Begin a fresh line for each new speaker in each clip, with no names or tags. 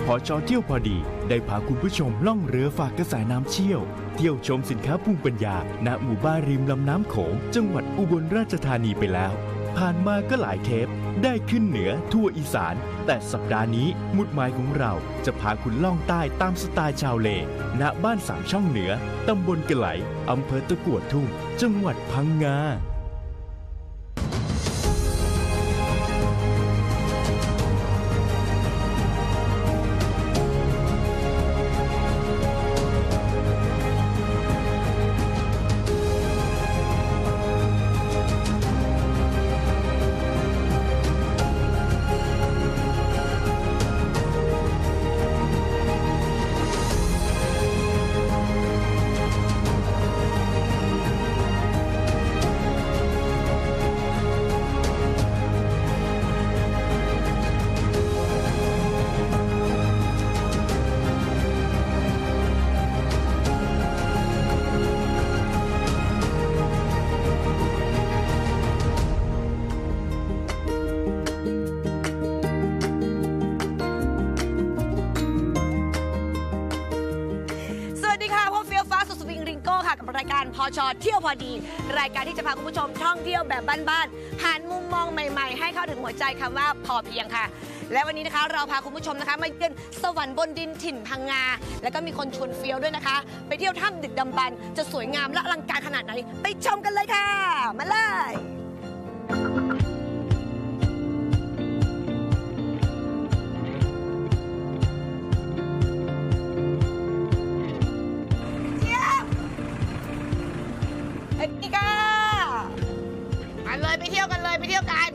ช.เที่ยวพอดีได้พาคุณผู้ชมล่องเรือฝากกระสายน้ำเชี่ยวเที่ยวชมสินค้าภูมิปัญญาณหมู่บ้านริมลำน้ำโขงจังหวัดอุบลราชธานีไปแล้วผ่านมาก็หลายเทปได้ขึ้นเหนือทั่วอีสานแต่สัปดาห์นี้มุดหมายของเราจะพาคุณล่องใต้ตามสไตล์ชาวเลณบ้าน3ช่องเหนือตำบลกะไหลอำเภอตะกั่วทุ่งจังหวัดพังงา
รายการพช.เที่ยวพอดีรายการที่จะพาคุณผู้ชมท่องเที่ยวแบบบ้านๆหันมุมมองใหม่ๆให้เข้าถึงหัวใจคำว่าพอเพียงค่ะและวันนี้นะคะเราพาคุณผู้ชมนะคะมาเยือนสวรรค์บนดินถิ่นพังงาแล้วก็มีคนชวนเฟี้ยวด้วยนะคะไปเที่ยวถ้ำดึกดำบรรพ์จะสวยงามและอลังการขนาดไหนไปชมกันเลยค่ะมาเลยนี่ค่ะมาเลยไปเที่ยวกันเลยไปเที่ยวกัน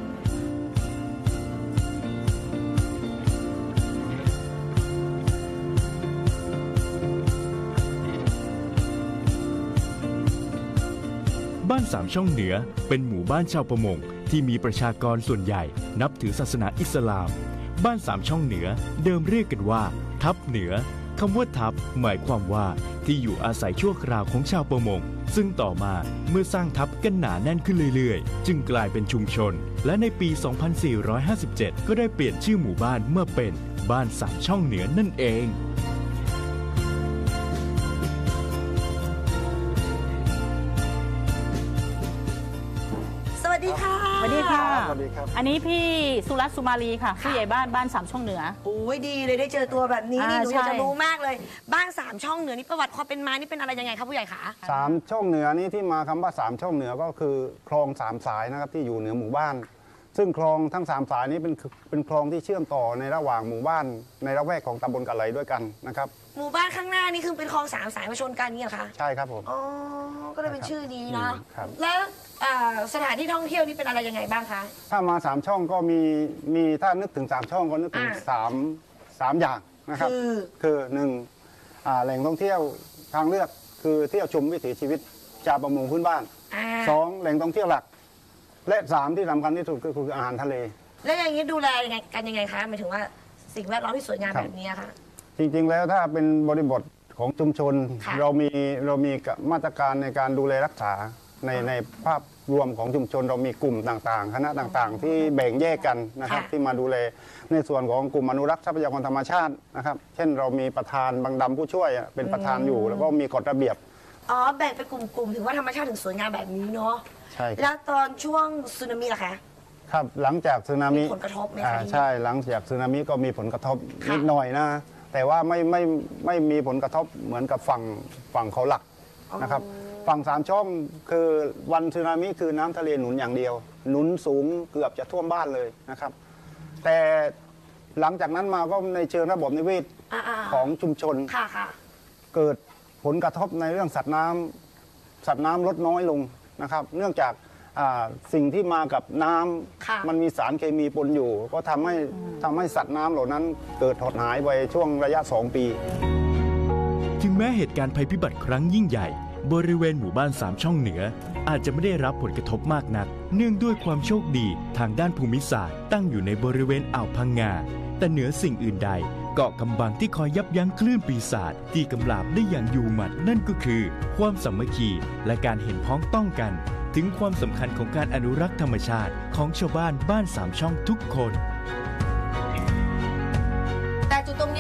บ้าน3ช่องเหนือเป็นหมู่บ้านชาวประมงที่มีประชากรส่วนใหญ่นับถือศาสนาอิสลามบ้าน3ช่องเหนือเดิมเรียกกันว่าทับเหนือคำว่าทับหมายความว่าที่อยู่อาศัยชั่วคราวของชาวประมงซึ่งต่อมาเมื่อสร้างทับกันหนาแน่นขึ้นเรื่อยๆจึงกลายเป็นชุมชนและในปี 2457 ก็ได้เปลี่ยนชื่อหมู่บ้านเมื่อเป็นบ้าน3ช่องเหนือนั่นเอง
สวัสดีค่ะ
สวัสดีค่ะ
สวัสดีครับ
อันนี้พี่สุรัตน์สุมาลีค่ะผู้ใหญ่บ้าน3ช่องเหนือ
โอ้ยดีเลยได้เจอตัวแบบนี้นี่หนูอยากจะรู้มากเลยบ้าน3ช่องเหนือนี่ประวัติความเป็นมานี่เป็นอะไรยังไงครับผู้ใหญ่คะ
3ช่องเหนือนี่ที่มาคำว่า3ช่องเหนือก็คือคลอง3สายนะครับที่อยู่เหนือหมู่บ้านซึ่งคลองทั้ง3สายนี้เป็นคลองที่เชื่อมต่อในระหว่างหมู่บ้านในละแวกของตำบลกะไหลด้วยกันนะครับ
หมู่บ้านข้างหน้านี่คือเป็นคลอง3สายมาชนกันนี่เหรอคะ
ใช่ครับผม
อ๋อก็เลยเป็นชื่อนี้นะแล้วสถานที่ท่องเที่ยวนี่เป็นอะไรยังไงบ้างคะ
ถ้ามา3ช่องก็มีถ้านึกถึง3ช่องก็นึกถึง3อย่างนะครับคือ1แหล่งท่องเที่ยวทางเลือกคือเที่ยวชมวิถีชีวิตชาวประมงพื้นบ้าน2แหล่งท่องเที่ยวหลักและ3ที่สำคัญที่สุดก็คืออาหารทะเล
แล้วอย่างนี้ดูแลกันยังไงคะหมายถึงว่าสิ่งแวดล้อมที่สวยงามแบบนี้ค่ะ
จริงๆแล้วถ้าเป็นบริบทของชุมชนเรามีมาตรการในการดูแลรักษาในภาพรวมของชุมชนเรามีกลุ่มต่างๆคณะต่างๆที่แบ่งแยกกันนะครับที่มาดูแลในส่วนของกลุ่มอนุรักษ์ทรัพยากรธรรมชาตินะครับเช่นเรามีประธานบางดำผู้ช่วยเป็นประธานอยู่แล้วก็มีกฎระเบียบ
แบ่งเป็นกลุ่มๆถึงว่าธรรมชาติถึงสวยงามแบบนี้เนาะ
ใช่
แล้วตอนช่วงสึนามิล่ะคะ
ครับหลังจากสึนามิ
มีผลกระทบไหมคะ
ใช่หลังจากสึนามิก็มีผลกระทบนิดหน่อยนะแต่ว่าไม่มีผลกระทบเหมือนกับฝั่งเขาหลักนะครับฝั่ง3ช่องคือวันสึนามิคือน้ำทะเลหนุนอย่างเดียวหนุนสูงเกือบจะท่วมบ้านเลยนะครับแต่หลังจากนั้นมาก็ในเชิงระบบนิเวศของชุมชนเกิดผลกระทบในเรื่องสัตว์น้ำลดน้อยลงนะครับเนื่องจากสิ่งที่มากับน้ำมันมีสารเคมีปนอยู่ก็ทำให้สัตว์น้ำเหล่านั้นเกิดหดหายไปช่วงระยะ2 ปี
ถึงแม้เหตุการณ์ภัยพิบัติครั้งยิ่งใหญ่บริเวณหมู่บ้าน3ช่องเหนืออาจจะไม่ได้รับผลกระทบมากนักเนื่องด้วยความโชคดีทางด้านภูมิศาสตร์ตั้งอยู่ในบริเวณอ่าวพังงาแต่เหนือสิ่งอื่นใดเกาะกำบังที่คอยยับยั้งคลื่นปีศาจที่กำราบได้อย่างอยู่หมัดนั่นก็คือความสามัคคีและการเห็นพ้องต้องกันถึงความสำคัญของการอนุรักษ์ธรรมชาติของชาวบ้าน3ช่องทุกคน
แต่จุดตรง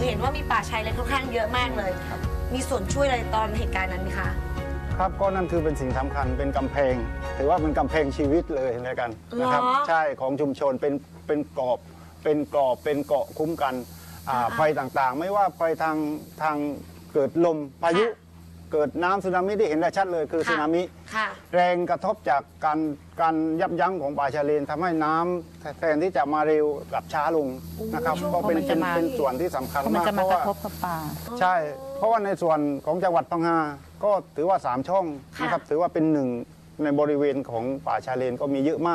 เห็นว่ามีป่าชายเลนค่อนข้างเยอะมากเลย มีส่วนช่วยอะไรตอนเหตุการณ์นั้นไหมคะ
ครับก็นั่นคือเป็นสิ่งสำคัญเป็นกำแพงถือว่าเป็นกำแพงชีวิตเลยแล้วกันนะครับ
เหรอ
ใช่ของชุมชนเป็นกรอบเป็นเกราะคุ้มกันภัยต่างๆ ไม่ว่าภัยทางเกิดลมพายุ เกิดน้ำสึนามิที่เห็นได้ชัดเลยคือสึนามิ
ค่ะ
แรงกระทบจากการยับยั้งของป่าชายเลนทำให้น้ำแทนที่จะมาเร็วกลับช้าลงนะครับก็เป็นส่วนที่สำคัญ
เพราะมัน
มาก
จะ
เพ
มา
ราะ
กระ
ว่า
ทบกับป่า
ใช่ เพราะว่าในส่วนของจังหวัดพังงาก็ถือว่า3ช่องนะครับถือว่าเป็นหนึ่งในบริเวณของป่าชายเลนก็มีเยอะมาก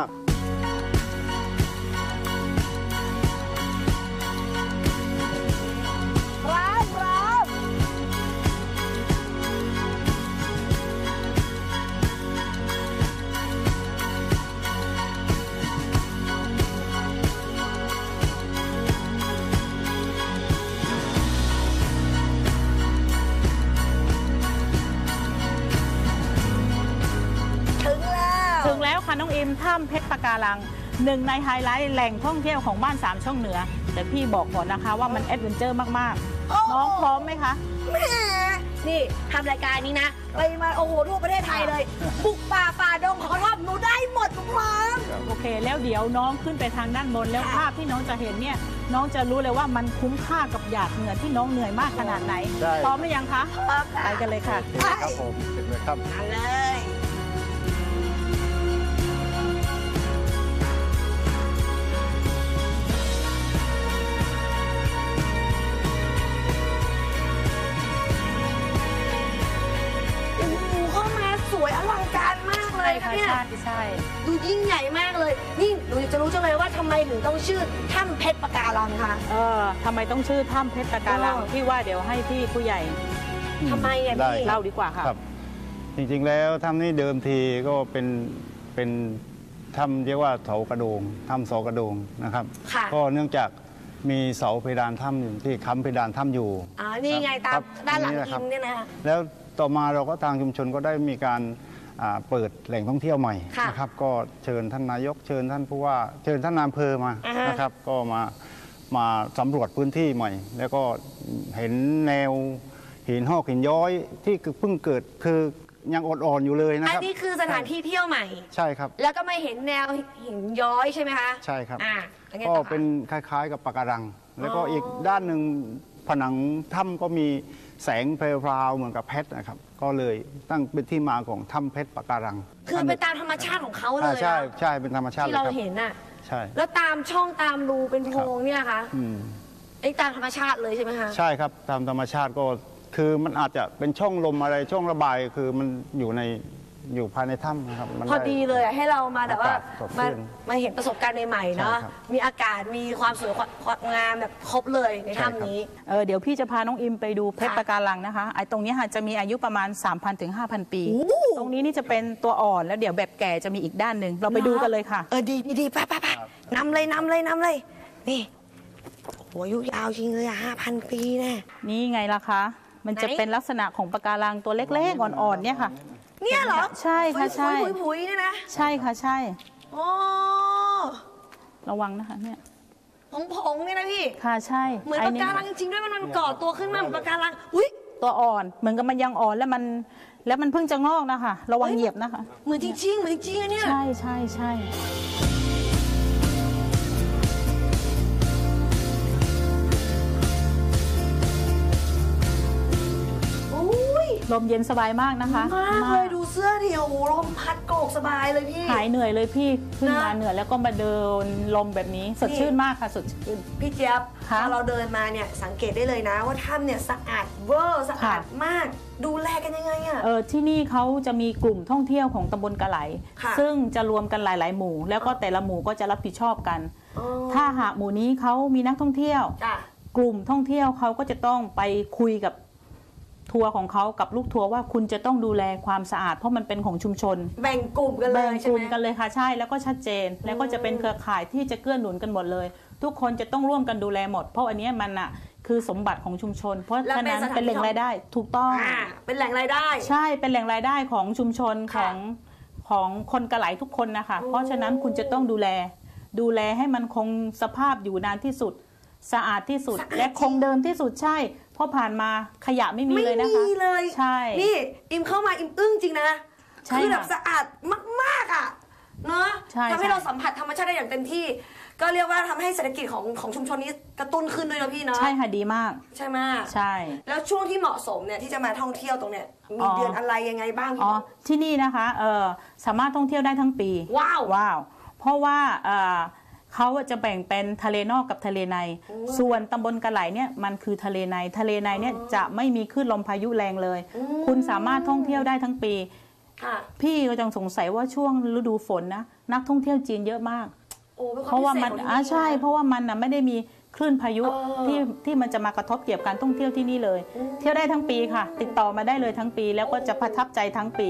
ถึงแล้วค่ะน้องอิมถ้ำเพชรปะการังหนึ่งในไฮไลท์แหล่งท่องเที่ยวของบ้าน3ช่องเหนือแต่พี่บอกก่อนนะคะว่ามันแอดเวนเจอร์มากๆน้องพร้อมไหมคะ
แหมนี่ทำรายการนี้นะ ไปมาโอ้โหทั่วประเทศไทยเลย บุกป่าฝ่าดงของเขาชอบหนูได้หมดทุกครั้ง
โอเค แล้วเดี๋ยวน้องขึ้นไปทางด้านบนแล้วภาพที่น้องจะเห็นเนี่ยน้องจะรู้เลยว่ามันคุ้มค่ากับหยาดเหงื่อที่น้องเหนื่อยมากขนาดไหน
ใช่
พร้อมหรือยังคะไปกันเลยค่ะ
ครับผมเห็นไหมครับ
มาเลย โอ้โหเข้ามาสวยอลังการมากเลย
ใช่
นะ
ค่ะ
เนี่ย
ใช่
ดูยิ่งใหญ่มากเลย นี่หนูจะรู้จังเลยว่าทำไมถึงต้องชื่อถ้ำเพชรปะการังคะ
ทำไมต้องชื่อถ้ำเพชรปะการัง
เออ
พี่ว่าเดี๋ยวให้พี่ผู้ใหญ่
ทำไมอ่ะ
ได้
พี่
เล่าดีกว่าค่ะ
ครับ จริงๆแล้วถ้ำนี้เดิมทีก็เป็นถ้ำเรียกว่าเสากระโดงถ้ำเสากระโดงนะครับ
ค่ะ
ก็เนื่องจากมีเสาเพดานถ้ำอยู่ที่ค้ำเพดานถ้ำอยู่
นี่ไงตา
ครั
ม
บ
ด้านหลัง
นี่แหละค
อิ
รับ
มเนี่ยนะ
แล้วต่อมาเราก็ทางชุมชนก็ได้มีการเปิดแหล่งท่องเที่ยวใหม่
ค่ะ
นะครับก็เชิญท่านนายกเชิญท่านผู้ว่าเชิญท่านนายอำเภอมา
อ่าฮะ
นะครับก็มาสำรวจพื้นที่ใหม่ แล้วก็เห็นแนวหินหอกหินย้อยที่เพิ่งเกิดคือยังอ่อนๆอยู่เลยนะ
อัน
ครับ
นี้คือสถานที่เที่ยวใหม่
ใช่ครับ
แล้วก็มาเห็นแนวหินย้อยใช่ไหมคะ
ใช่ครับ
แล้วไง
ก็
ต่อคะ
เป็นคล้ายๆกับปะการัง แล้วก็อีกด้านหนึ่งผนังถ้ำก็มีแสงเพลวๆเหมือนกับเพชรนะครับ ก็เลยตั้งเป็นที่มาของถ้ำเพชรปะการัง
คือเป็นตามธรรมชาติของเขาเลย
ใช่
นะ
ใช่เป็นธรรมชาติ
ที่
เลย
เรา
ครับ
เห็นน่ะ
ใช่
แล้วตามช่องตามรูเป็นโพรงเนี่ยคะ
อืม
ไอ้ตามธรรมชาติเลยใช่ไหมคะ
ใช่ครับตามธรรมชาติก็คือมันอาจจะเป็นช่องลมอะไรช่องระบายคือมันอยู่ภายในถ้ำนะครับมัน
พอดีเลยอะให้เรามาแบบว่า
อากาศสดชื่น
มาเห็นประสบการณ์ใหม่ๆเนาะ
ใช่ครับ
มีอากาศมีความสวยความงามแบบครบเลยในถ้ำนี้
เดี๋ยวพี่จะพาน้องอิมไปดูเพชรปะการังนะคะไอ้ตรงนี้ค่ะจะมีอายุประมาณ 3,000 ถึง 5,000 ปี
โอ้
ตรงนี้นี่จะเป็นตัวอ่อนแล้วเดี๋ยวแบบแก่จะมีอีกด้านหนึ่งเราไปดูกันเลยค่ะ
ดีไปนำเลยนี่โอ้อายุยาวจริงเลยอะ5,000 ปีแน่
นี่ไงล่ะคะ มันจะ
ไหน
เป็นลักษณะของปะการังตัวเล็กๆอ่อนๆเนี่ยค่ะ
เนี่ยเหรอ
ใช่ค่ะใช่
ผุยๆเนี่ยนะ
ใช่ค่ะใช่
โอ้
ระวังนะคะเนี่ย
ผงๆเนี่ยนะพี่
ค่ะใช่
เหมือน
ไอ้
ปะการังจริงๆด้วยมันก่อตัวขึ้นมาเหมือนปะการังอุ้ย
ตัวอ่อนเหมือนกับมันยังอ่อนแล้วมันเพิ่งจะงอกนะคะ ระวังเหยียบนะคะ
เหมือนจริงๆเหมือนจริงๆอะเนี่ย
ใช่ใช่ใช่
อุ้ย
ลมเย็นสบายมากนะคะ
มากเลยดูเสื้อดิโอ้โหลมพัดโกกสบายเลยพี่
หายเหนื่อยเลยพี่ขึ้นมา
นะ
เหนื่อยแล้วก็มาเดินลมแบบนี้สดชื่นมากค่ะสดชื่น
พี่เจี๊ยบ
ค่ะ
พอเราเดินมาเนี่ยสังเกตได้เลยนะว่าถ้ำเนี่ยสะอาดเวอร์สะอาด
ค่ะ
มาก ดูแลกันยังไงอะ
ที่นี่เขาจะมีกลุ่มท่องเที่ยวของตำบลกะไหล
ค่ะ
ซึ่งจะรวมกันหลาย ๆ หมู่ แล้วก็แต่ละหมู่ก็จะรับผิดชอบกัน
อ๋อ
ถ้าหากหมู่นี้เขามีนักท่องเที่ยว
จ้ะ
กลุ่มท่องเที่ยวเขาก็จะต้องไปคุยกับทัวร์ของเขากับลูกทัวร์ว่าคุณจะต้องดูแลความสะอาดเพราะมันเป็นของชุมชน
แบ่งกลุ่มกันเล
แบ่
ย
ง
ใช่
ก
ไห
ลุ่
ม
มกันเลยค่ะใช่แล้วก็ชัดเจน แล้วก็จะเป็นเครือข่ายที่จะเกื้อหนุนกันหมดเลย ทุกคนจะต้องร่วมกันดูแลหมด เพราะอันเนี้ยมันอ่ะคือสมบัติของชุมชน เพราะฉะนั้นเป็นแหล่งรายได้ถูกต้อง
เป็นแหล่งรายได้
ใช่เป็นแหล่งรายได้ของชุมชนข
ค่ะ
องคนกะไหลทุกคนนะคะเพราะฉะนั้นคุณจะต้องดูแลให้มันคงสภาพอยู่นานที่สุดสะอาดที่สุดและคงเดิมที่สุดใช่เพราะผ่านมาขยะไม่มีเลยนะคะ
ไม่มีเลย
ใช่
นี่อิมเข้ามาอิมอึ้งจริงนะ
ใช่
คือแบบ
ค่ะ
สะอาดมากๆอ่ะเนาะ
ใช่
ทำให้
ใช่
เราสัมผัสธรรมชาติได้อย่างเต็มที่ ก็เรียกว่าทำให้เศรษฐกิจของชุมชนนี้กระตุ้นขึ้นด้วยนะพี่เนาะ
ใช่ค่ะดีมาก
ใช่ไหม
ใช่
แล้วช่วงที่เหมาะสมเนี่ยที่จะมาท่องเที่ยวตรงเนี้ยมีเดือนอะไรยังไงบ้างพี่
อ๋อที่นี่นะคะสามารถท่องเที่ยวได้ทั้งปี
ว้าว
ว้าวเพราะว่าเขาจะแบ่งเป็นทะเลนอกกับทะเลใน ส่วนตำบลกระไหลเนี่ยมันคือทะเลในทะเลในเนี่ยจะไม่มีคลื่นลมพายุแรงเลย คุณสามารถท่องเที่ยวได้ทั้งปี
ค่ะ
พี่ก็จังสงสัยว่าช่วงฤดูฝนนะนักท่องเที่ยวจีนเยอะมาก
โอ้เป็นคว
เพราะว่ามัน
พิเศษของที่
ใช่
นี่นะ
เพราะว่ามันนะไม่ได้มีคลื่นพายุ
เออ
ที่มันจะมากระทบเกี่ยวกับการท่องเที่ยวที่นี่เลย เที่ยวได้ทั้งปีค่ะ ติดต่อมาได้เลยทั้งปี แล้วก็จะประทับใจทั้งปี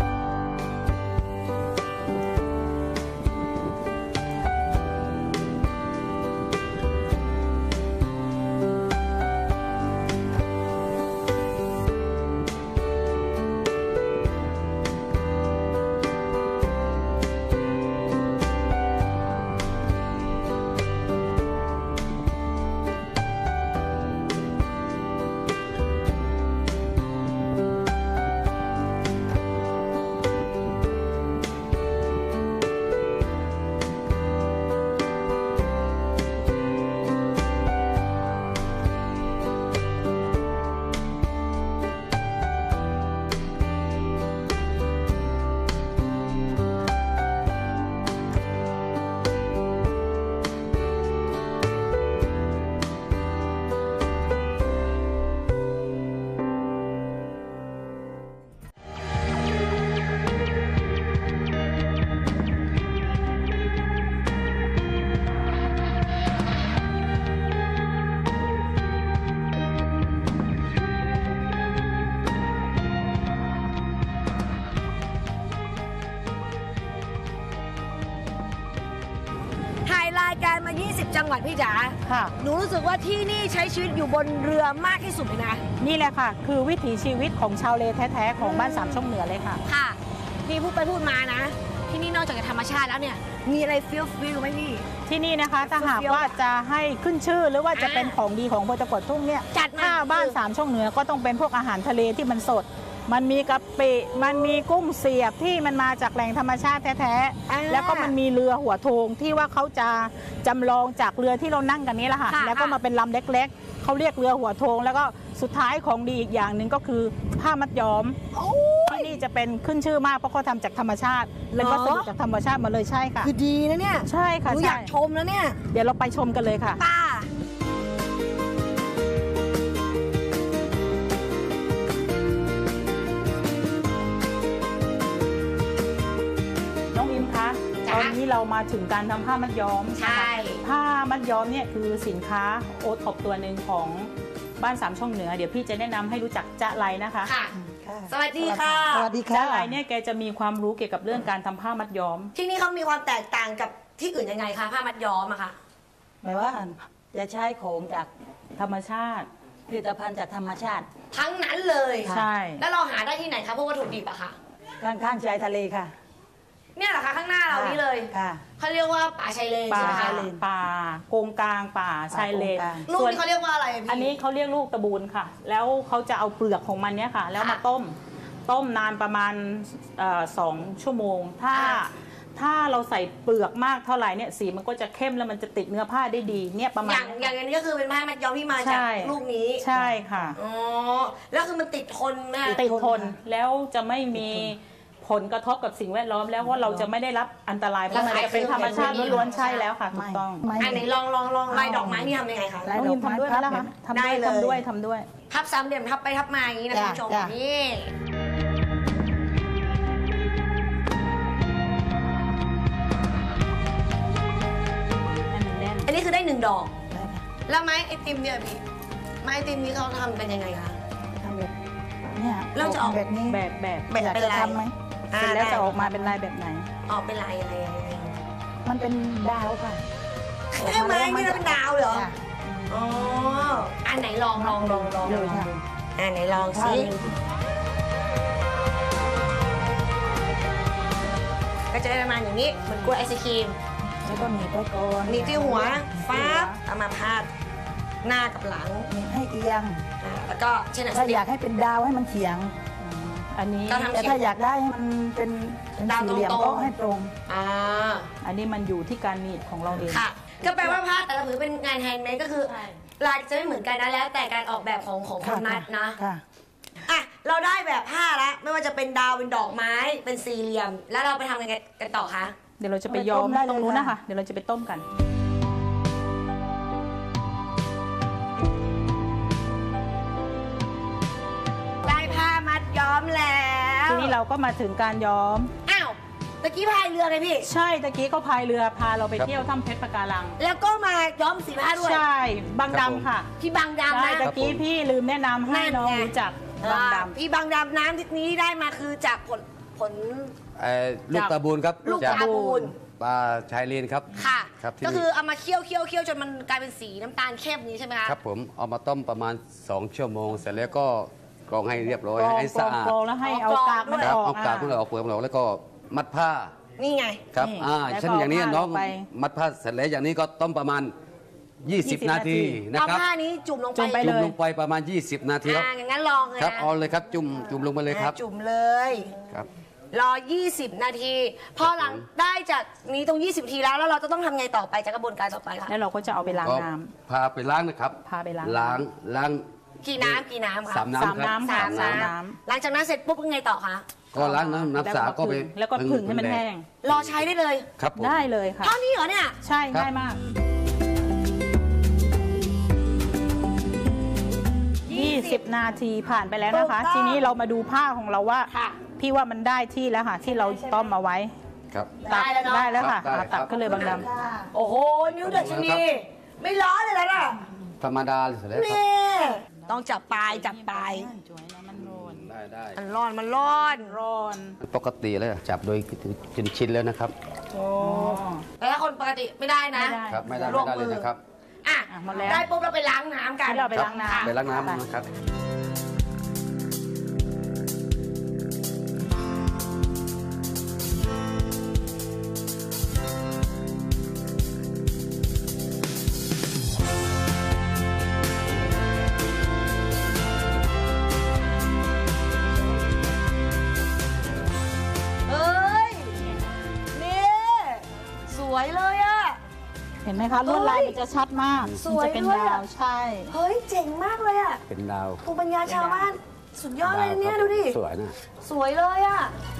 ถ่ายรายการมา 20 จังหวัดพี่จ๋า
ค่ะ
หนูรู้สึกว่าที่นี่ใช้ชีวิตอยู่บนเรือมากที่สุดเลยนะ
นี่แหละค่ะ คือวิถีชีวิตของชาวเลแท้ๆของบ้านสามช่องเหนือเลยค่ะ
ค่ะพี่พูดไปพูดมานะ ที่นี่นอกจากจะธรรมชาติแล้วเนี่ย มีอะไรฟิลไหมพี่
ที่นี่นะคะถ้าหากว่าจะให้ขึ้นชื่อหรือว่าจะเป็นของดีของอำเภอตะกัวทุ่งเนี่ย
จัดมา
ถ้าบ้านสามช่องเหนือก็ต้องเป็นพวกอาหารทะเลที่มันสด มันมีกะปิมันมีกุ้งเสียบที่มันมาจากแหล่งธรรมชาติแท้ๆแล้วก็มันมีเรือหัวโทงที่ว่าเขาจะจำลองจากเรือที่เรานั่งกันนี้แหละค่ะแล้วก็มาเป็นลำเล็กๆเขาเรียกเรือหัวโทงแล้วก็สุดท้ายของดีอีกอย่างหนึ่งก็คือผ้ามัดย้อมที่นี่จะเป็นขึ้นชื่อมากเพราะเขาทำจากธรรมชาติเป็นวัสดุจากธรรมชาติมาเลยใช่ค่ะ
คือดีนะเนี่ย
ใช่ค่ะ
หนูอ
ใช่
ยากชมแล้วเนี่ย
เดี๋ยวเราไปชมกันเลยค่ะ
ป้า
น้องอิมคะต
จ๊ะ
อนนี้เรามาถึงการทำผ้ามัดย้อม
ใช่
ผ้ามัดย้อมเนี่ยคือสินค้าโอท็อปตัวหนึ่งของบ้านสามช่องเหนือเดี๋ยวพี่จะแนะนำให้รู้จักจ๊ะไลนะคะ
ค่ะ สวัสดีค่ะ
สวัสดี
จ๊ะ
ค่ะ
ไลเนี่ยแกจะมีความรู้เกี่ยวกับเรื่องการทำผ้ามัดย้อม
ที่นี่เขามีความแตกต่างกับที่อื่นยังไงคะผ้ามัดย้อมอะคะ
หมายว่าจะใช้ของจาก
ธรรมชาติ
ผลิตภัณฑ์จากธรรมชาติ
ทั้งนั้นเลย
ใช่
แล้วเราหาได้ที่ไหนคะพวกวัตถุดิบอะคะ
ข้างๆชายทะเลค่ะ
เนี่ยเหรอคะข้างหน้าเรานี่เลย
ค่ะ
เขาเรียกว่าป่าชายเลน
ป่า
ใช่ไหมคะ
ป่าโกงกลางป่าชายเลน
โกงกลาง
ลูกนี่เขาเรียกว่าอะไระพี่
อันนี้เขาเรียกลูกตะบูนค่ะ แล้วเขาจะเอาเปลือกของมันเนี่ยค่ะ แล้วมาต้มนานประมาณ2 ชั่วโมง ถ้าเราใส่เปลือกมากเท่าไหร่เนี่ยสีมันก็จะเข้มแล้วมันจะติดเนื้อผ้าได้ดีเนี่ยประมาณ
อย่างอันนี้ก็คือเป็นผ้ามัดย้อมที่มาจาก
ใช่
ลูกนี้
ใช่ค่ะ
อ๋อแล้วคือมันติดทนไหม
ติดทนแล้วจะไม่มีผลกระทบกับสิ่งแวดล้อมแล้วว่าเราจะไม่ได้รับอันตรายเพราะมันจะเป็นธรรมชาติล้วนๆใช่แล้วค่ะถูกต้อง
ไม่
อันไหนลองลายดอกไม้นี่ทำยังไงคะ
ลาย
น้องยิมทำด้วยไหมล่ะคะทำ
ได้
ด้วย
เลย
ทำด้วย
ทับสามเหลี่ยมทับไปทับมาอย่างนี้นะคุณผู้ชม
จ้ะ
นี่อันนี้คือได้1 ดอก
ได้ค่ะ
แล้วไม้ไอติมเนี่ยพี่ไม้ไอติมนี้เขาทำกันยังไงคะ
ทำแบบเนี่ย
เราจะออก
แบบนี้
แบบ
อยากจะทำไหม
เสร็จแล้วจะออกมาเป็นลายแบบไหน
ออกเป็นลายอะไร
มันเป็นดาวค่ะ
แค่ไม้นี่เราเป็นดาวเหรอ
ค่ะ
อ๋ออันไหนลอง
ดูค่ะ
อันไหนลองสิ ก็จะได้ประมาณอย่างนี้เหมือนกล้วยไอศครีม
แล้วก็หนีบไว้ก่อน
หนีบที่หัวฟ้าบเอามาพาดหน้ากับหลัง
ให้เอียง
แล้วก็เช่น
ถ้าอยากให้เป็นดาวให้มันเฉียง
อันนี้
ก็ทำ
แต่ถ้าอยากได้ให้มันเป็น
ดาว
สี่เหลี่ยม
ตรงๆ
ก็ให้ตรง
อันนี้มันอยู่ที่การหนีบของเราเอง
ค่ะ ก็แปลว่าผ้าแต่ละผืนเป็นงานแฮนด์เมดก็คือ
ใช่
ลายจะไม่เหมือนกันนะแล้วแต่การออกแบบของคนมัดนะ
ค่ะ
อ่ะเราได้แบบผ้าแล้วไม่ว่าจะเป็นดาวเป็นดอกไม้เป็นสี่เหลี่ยม แล้วเราไปทำยังไงกันต่อคะ
เดี๋ยวเราจะไปย้อม
ไปต้มได้เลย
ตรงนู้นนะคะ
ค่ะ
เดี๋ยวเราจะไปต้มกัน
ได้ผ้ามัดย้อมแล้ว
ทีนี้เราก็มาถึงการย้อม
อ้าวตะกี้พายเรือไงพี่
ใช่ตะกี้ก็พายเรือพาเราไปเที่ยวถ้ำเพชรปะการัง
แล้วก็มาย้อมสีผ้าด้วย
ใช่บาง
ครับผม
ดำค่ะ
พี่บางดำ
ใช่
นะ
ตะกี้พี่ลืมแนะนำให้น้อง
นั่นไง
รู้จักบางดำ
พี่บางดำน้ำที่นี้ได้มาคือจากผล
ลูกตาบูนครับ
ลูก
จาก
ตาบูน
ปลาชายเลนครับ
ค่ะ
ครับที่
ก็
นี่
คือเอามาเคี่ยวจนมันกลายเป็นสีน้ำตาลเข้มนี้ใช่ไหมคะ
ครับผมเอามาต้มประมาณ 2 ชั่วโมง เสร็จแล้วก็กรองให้เรียบร้อย
กรอง
ให้สะอาด
กรองแล้วให้เอากากมัน
ครั
อบ อก
เอากากมันออกเปลือกมันออกแล้วก็มัดผ้า
นี่ไง
ครับ
นี่ แล้วก็
เช่นอย่างนี้
เอาผ้า
น้อง
ลงไป
มัดผ้าเสร็จแล้วอย่างนี้ก็ต้มประมาณ 20 นาทีนะ
เอา
ครับ
ผ้านี้จุ่มลงไป
จุ่มไป
จุ่ม
เลย
ลงไปประมาณ 20 นาทีครับ
อย่างนั้นลองเลย
ครับ
นะ
เอาเลยครับจุ่มลงไปเลยครับ
จุ่มเลย
ครับ
รอ 20 นาที พอหลังได้จากนี้ตรง 20 นาทีแล้วเราจะต้องทำไงต่อไปจากกระบวนการต่อไปคะ
แล้วเราก็จะเอาไปล้าง
ก็
น้
พาไปล้างนะครับ
พาไปล้าง
ล้าง
กี่น้ำคะ
สาม
ำ
น้ำ
สาม
ครับ
น้ำค่ะ
สาม
สาม
น้
น้
ำหลังจากนั้นเสร็จปุ๊บยังไงต่อคะ
ก็ล้างน้ำ
ำ
สาก็ไป
แล้วก็ผึ่งให้มันแห้ง
รอใช้ได้เลย
ครับผม
ได้เลยค่ะ
เท่านี้เหรอเนี่ย
ใช่
ครับ
ง่ายมาก 20 นาทีผ่านไปแล้วนะคะ
ถูกต้อง
ทีนี้เรามาดูผ้าของเราว่า
ค่ะ
พี่ว่ามันได้ที่แล้วค่ะ ที่เราต้มมาไว้
ครับ
ตั
ได้แล้วเนอะ
ได้แล้วค่ะ
ครับได้
ตัก
ครับ
ขึ้นเลยบางด
โอ้โห นิ้วเดือดชนีไม่ร้อนเลยนะ
ธรรมดาเสร็จแล้วครับ
นี่ต้องจับปลายจับปลาย
มันร้อน
ได้
มันร้อนมันร้อน
ร้อน
ปกติแล้วจับโดยจนชินแล้วนะครับ
โอ้
แต่ถ้าคนปกติไม่ได้นะ
ไม่ได้
ครับไม่ได้
ลวก
เลยนะครับ
อ่ะ
อ่ะหมดแล้ว
ได้ปุ๊บเราไปล้างน้ำกัน
ให้เราไปล้างน้ำ
ไปล้างน้ำนะครับ
เฮ้ย นี่ สวยเลยอะ
เห็นไหมคะลวดลายมันจะชัดมาก
สวย
มันจะเป็น
ด้วย
ดา
อะ
วใช่
เฮ้ย เจ๋งมากเลยอะ
เป็นดาว
ภูมิปัญญาชาวบ้าน สุดยอดเลยเนี่ยดูดิ
สวยนะ
สวยเลยอะ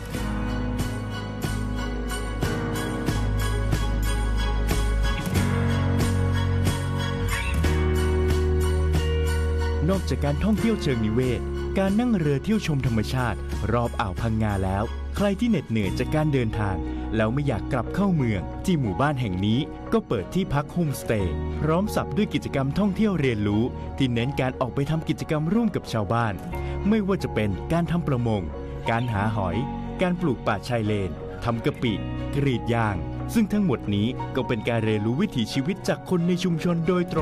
นอกจากการท่องเที่ยวเชิงนิเวศ การนั่งเรือเที่ยวชมธรรมชาติ รอบอ่าวพังงาแล้ว ใครที่เหน็ดเหนื่อยจากการเดินทาง แล้วไม่อยากกลับเข้าเมือง ที่หมู่บ้านแห่งนี้ก็เปิดที่พักโฮมสเตย์พร้อมสับด้วยกิจกรรมท่องเที่ยวเรียนรู้ ที่เน้นการออกไปทำกิจกรรมร่วมกับชาวบ้าน ไม่ว่าจะเป็นการทำประมง การหาหอย การปลูกป่าชายเลนทำกะปิ กรีดยาง ซึ่งทั้งหมดนี้ก็เป็นการเรียนรู้วิถีชีวิตจากคนในชุมชนโดยตรง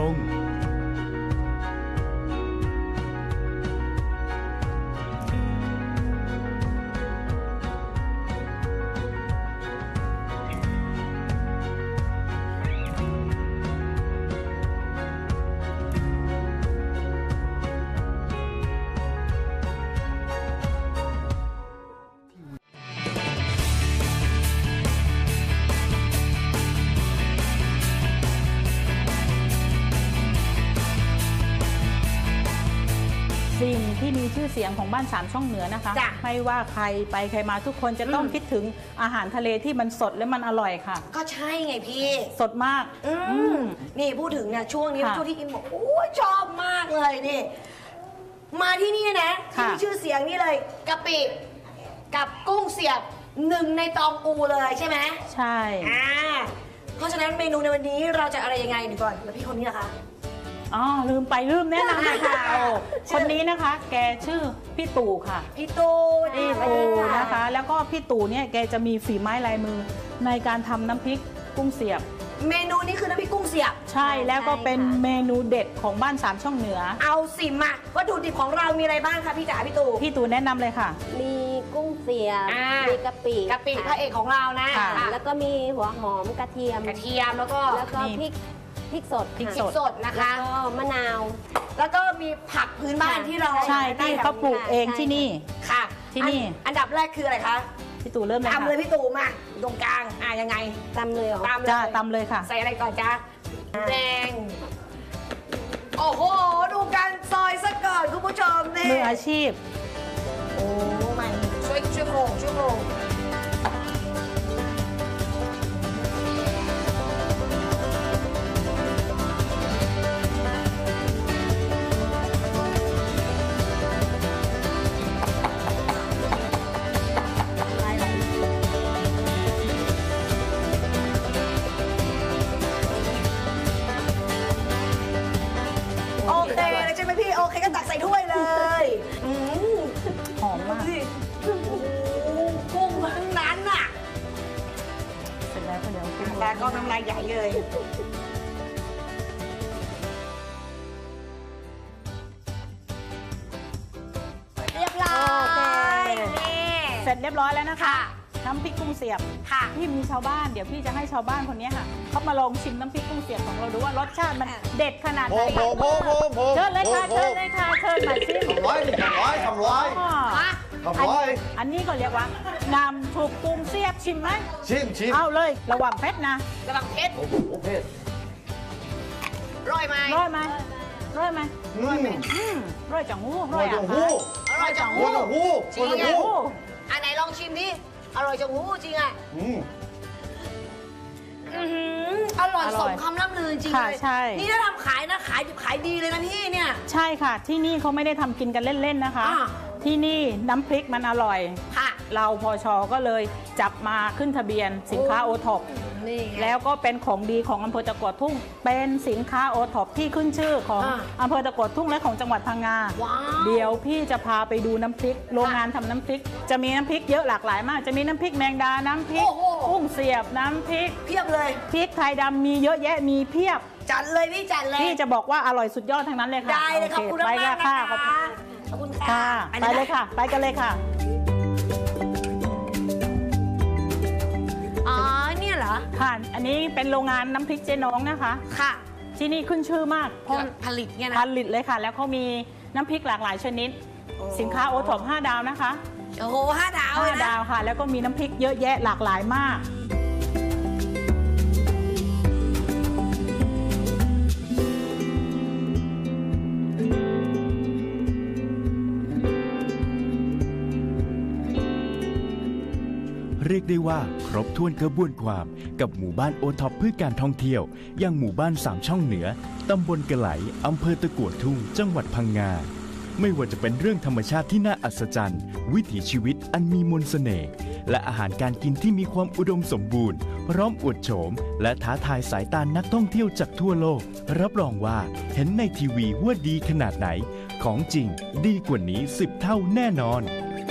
สิ่งที่มีชื่อเสียงของบ้านสามช่องเหนือนะคะ
จ้ะ
ไม่ว่าใครไปใครมาทุกคนจะต้องคิดถึงอาหารทะเลที่มันสดและมันอร่อยค่ะ
ก็ใช่ไงพี่
สดมาก
นี่พูดถึงเนี่ยช่วงนี้
ค่ะ
ช่วงที่อินบอกโอ้ยชอบมากเลยนี่ มาที่นี่นะที่
ค่ะ
มีชื่อเสียงนี่เลยกะปิกับกุ้งเสียบหนึ่งในตองอูเลยใช่ไหม
ใช่
เพราะฉะนั้นเมนูในวันนี้เราจะอะไรยังไงดีก่อนแล้วพี่คนนี้ล่ะคะ
อ๋อลืมแนะนำเลยค่ะโอ้คนนี้นะคะ แกชื่อพี่ตู่ค่ะ
พี่ตู
พี่ตู่นะคะ แล้วก็พี่ตู่เนี่ยแกจะมีฝีไม้ลายมือในการทำน้ำพริกกุ้งเสียบ
เมนูนี้คือน้ำพริกกุ้งเสียบ
ใช่แล้วก็เป็นเมนูเด็ดของบ้านสามช่องเหนือ
เอาสิมาวัตถุดิบของเรามีอะไรบ้างคะพี่จ๋าพี่ตู
พี่ตู่แนะนำเลยค่ะ
มีกุ้งเสียบ
อ่ามี
มีกะปิ
กะปิพระเอกของเรานะ
ค่ะ
ค่ะ
แล้วก็มีหัวหอมกระเทียม
กระเทียมแล้วก็
แล้วก็
นี่
พริกพริกสด
พริก
พริกสดนะคะ
แล้วก็มะนาว
แล้วก็มีผักพื้นบ้านที่เรา
ใช่ที่เขาปลูกเองที่นี่
ค่ะ
ที่นี่
อันดับแรกคืออะไรคะ
พี่ตู่เริ่มเลย
ตำเลย
ค่ะ
พี่ตู่มาตรงกลางยังไง
ตำเลยเหรอ
ตำเลย
จ้าตำเลยค่ะ
ใส่อะไรก่อนจ้าแดงโอ้โหดูการซอยซะก่อนคุณผู้ชมนี่
มืออาชีพ
โอ้ไม่ช่วยโครงโอเคเลยใช่ไหมพี่ โอเคก็ตักใส่ถ้วยเลยม
หอมมาก
ดูสิโอ้โหกุ้งทั้งนั้นน่ะ
เสร็จแล้วก็เดี๋ยวกุ้ง
แล้วก็น้ำลายใหญ่เลย เรียบร้อยนี่
เสร็จเรียบร้อยแล้วนะคะ น้ำพริกกุ้งเสียบ
ค่ะ
พี่มีชาวบ้านเดี๋ยวพี่จะให้ชาวบ้านคนนี้ค่ะเขามาลองชิมน้ำพริกกุ้งเสียบของเราดูว่ารสชาติมันเด็ดขนาดไหนเชิญเลยค่ะเชิญเลยค่ะเชิญมาชิม
ทำร้อย
อ๋อ
ทำร้อย
อันนี้ก็เรียกว่าน้ำถูกกุ้งเสียบชิมไหม
ชิม
เอาเลยระวังเพชรนะ
กระบังเพชร
โอ้โหเพชร
ร่อยไหม
ร้อยไหมร้อยไหม ร้อยจังหูร้อย
จั
อ่ะ
งหู
อร่อยจัง
หั
หู
วจังหู
จริง
หัวจัง
อ่ะ
หู
อันไหนลองชิมดิอร่อยจังหูจริงอ่ะ
อืม
อร่อยสมคำล่ำลือจริง
ค่ะ
เลย
ใช่
นี่ถ้าทำขายนะขายดิบขายดีเลยนะพี่เนี่ย
ใช่ค่ะ ที่นี่เขาไม่ได้ทำกินกันเล่นๆนะคะ
อ่า
ที่นี่น้ำพริกมันอร่อย
ค่ะ
เราพชก็เลยจับมาขึ้นทะเบียนสินค้าโอท็อป
นี่ไง
แล้วก็เป็นของดีของอำเภอตะกัวทุ่ง เป็นสินค้าโอท็อปที่ขึ้นชื่อของ
อ่า
อำเภอตะกัวทุ่งและของจังหวัดพังงา
ว้าว
เดี๋ยวพี่จะพาไปดูน้ำพริก โรงงานทำน้ำพริก จะมีน้ำพริกเยอะหลากหลายมาก จะมีน้ำพริกแมงดา น้ำพริก
โอ้โห
กุ้งเสียบ น้ำพริก
เพียบเลย
พริกไทยดำมีเยอะแยะ มีเพียบ
จัดเลยพี่จัดเลย
พี่จะบอกว่าอร่อยสุดยอดทั้งนั้นเลยค่ะ
ได้เลยขอบคุณ
โไป
มากๆ
ค่ะ
นะคะ
ขอบคุณ
ขอบคุณ
ค่ะ
ค่ะ
ไปเลยค่ะ ไปกันเลยค่ะ
อ๋อเนี่ยเหรอ
ค่ะ อันนี้เป็นโรงงานน้ำพริกเจ๊น้องนะคะ
ค่ะ
ที่นี่ขึ้นชื่อมากเพราะ
ผลิตเนี่ย
ผ
นะ
ลิตเลยค่ะ แล้วเขามีน้ำพริกหลากหลายชนิด สินค้าโอท็อป5 ดาวนะคะ
โอ้โห5 ดาวเลย
5
นะ
ดาวค่ะ แล้วก็มีน้ำพริกเยอะแยะหลากหลายมาก
เรียกได้ว่าครบถ้วนกระบวนความกับหมู่บ้านโอท็อปเพื่อการท่องเที่ยวอย่างหมู่บ้าน3ช่องเหนือตำบลกะไหลอำเภอตะกั่วทุ่งจังหวัดพังงาไม่ว่าจะเป็นเรื่องธรรมชาติที่น่าอัศจรรย์วิถีชีวิตอันมีมนต์เสน่ห์และอาหารการกินที่มีความอุดมสมบูรณ์พร้อมอวดโฉมและท้าทายสายตานักท่องเที่ยวจากทั่วโลกรับรองว่าเห็นในทีวีว่าดีขนาดไหนของจริงดีกว่านี้10 เท่าแน่นอน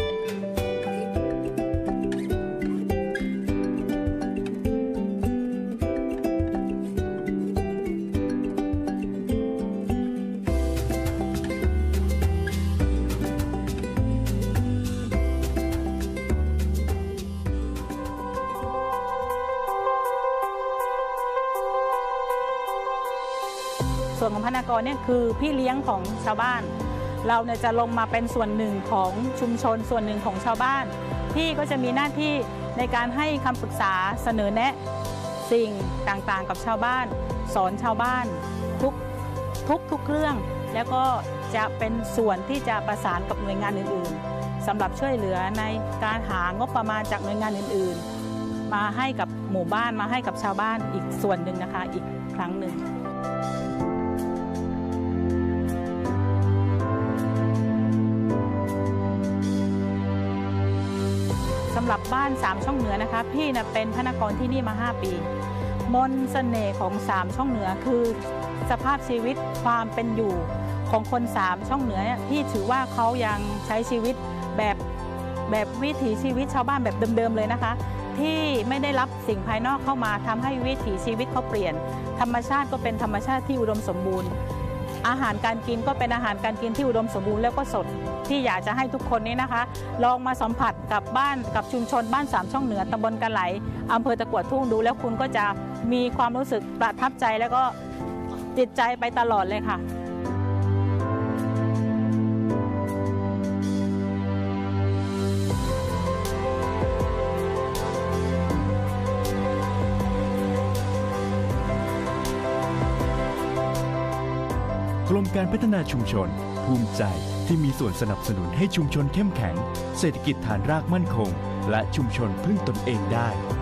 ส่วนของพนักงานเนี่ยคือพี่เลี้ยงของชาวบ้าน เราเนี่ยจะลงมาเป็นส่วนหนึ่งของชุมชนส่วนหนึ่งของชาวบ้าน พี่ก็จะมีหน้าที่ในการให้คำปรึกษาเสนอแนะสิ่งต่างๆกับชาวบ้าน สอนชาวบ้านทุกเรื่อง แล้วก็จะเป็นส่วนที่จะประสานกับหน่วยงานอื่นๆสำหรับช่วยเหลือในการหางบประมาณจากหน่วยงานอื่นๆ มาให้กับหมู่บ้านมาให้กับชาวบ้านอีกส่วนหนึ่งนะคะอีกครั้งหนึ่ง สำหรับบ้าน3ช่องเหนือนะคะพี่นะเป็นพนักงานที่นี่มา5 ปีมนต์เสน่ห์ของ3ช่องเหนือคือสภาพชีวิตความเป็นอยู่ของคน3ช่องเหนือเนี่ยพี่ถือว่าเขายังใช้ชีวิตแบบวิถีชีวิตชาวบ้านแบบเดิมๆเลยนะคะ ที่ไม่ได้รับสิ่งภายนอกเข้ามาทำให้วิถีชีวิตเขาเปลี่ยนธรรมชาติก็เป็นธรรมชาติที่อุดมสมบูรณ์ อาหารการกินก็เป็นอาหารการกินที่อุดมสมบูรณ์แล้วก็สดที่อยากจะให้ทุกคนนี้นะคะ ลองมาสัมผัสกับบ้านกับชุมชนบ้าน3ช่องเหนือตำบลกะไหลอำเภอตะกั่วทุ่งดูแล้วคุณก็จะมีความรู้สึกประทับใจแล้วก็จิตใจไปตลอดเลยค่ะ
กรมการพัฒนาชุมชนภูมิใจที่มีส่วนสนับสนุนให้ชุมชนเข้มแข็งเศรษฐกิจฐานรากมั่นคงและชุมชนพึ่งตนเองได้